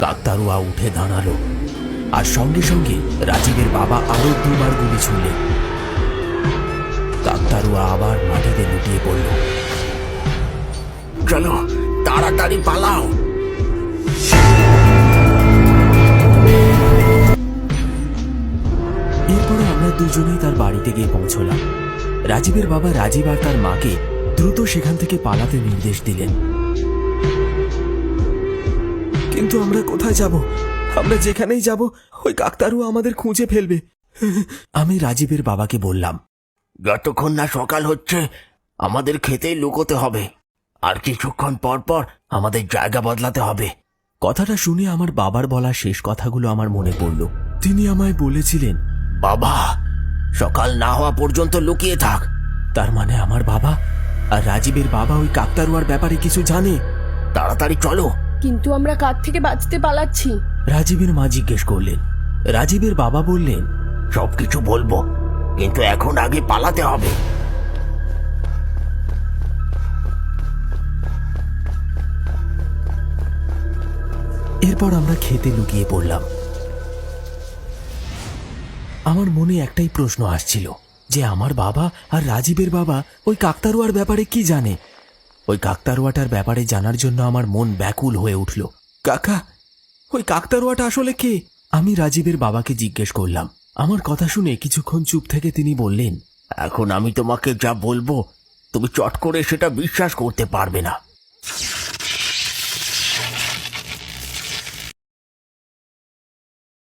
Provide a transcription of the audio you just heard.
কাকতাড়ুয়া উঠে দাঁড়ালো আর সঙ্গে সঙ্গে রাজীবের বাবা আরো দুবার গুলি ছুড়লেন। কাকতাড়ুয়া আবার মাটিতে লুটিয়ে পড়ল। চলো তাড়াতাড়ি পালাও। এরপরে আমরা দুজনেই তার বাড়িতে গিয়ে পৌঁছলাম। রাজীবের বাবা রাজীব আর তার মাকে দ্রুত সেখান থেকে পালাতে নির্দেশ দিলেন। কিন্তু আমরা কোথায় যাব? আমরা যেখানেই যাব ওই কাকতাড়ুয়া আমাদের খুঁজে ফেলবে। আমি রাজীবের বাবাকে বললাম, যতক্ষণ না সকাল হচ্ছে আমাদের খেতেই লুকোতে হবে, আর কিছুক্ষণ পর পর আমাদের জায়গা বদলাতে হবে। কথাটা শুনে আমার বাবার বলা শেষ কথাগুলো আমার মনে পড়ল। তিনি আমায় বলেছিলেন, বাবা সকাল না হওয়া পর্যন্ত লুকিয়ে থাক। তার মানে আমার বাবা আর রাজীবের বাবা ওই কাকতাড়ুয়ার ব্যাপারে কিছু জানে। তাড়াতাড়ি চলো। কিন্তু আমরা কার থেকে বাঁচতে পালাচ্ছি? রাজীবের মা জিজ্ঞেস করলেন। রাজীবের বাবা বললেন, সবকিছু বলবো, কিন্তু এখন আগে পালাতে হবে। এরপর আমরা খেতে লুকিয়ে পড়লাম। আমার মনে একটাই প্রশ্ন আসছিল যে আমার বাবা আর রাজীবের বাবা ওই কাকতাড়ুয়ার ব্যাপারে কি জানে। ওই কাকতাড়ুয়াটার ব্যাপারে জানার জন্য আমার মন ব্যাকুল হয়ে উঠল। কাকা, ওই কাকতাড়ুয়াটা আসলে কে? আমি রাজীবের বাবাকে জিজ্ঞেস করলাম। আমার কথা শুনে কিছুক্ষণ চুপ থেকে তিনি বললেন, এখন আমি তোমাকে যা বলবো তুমি চট করে সেটা বিশ্বাস করতে পারবে না।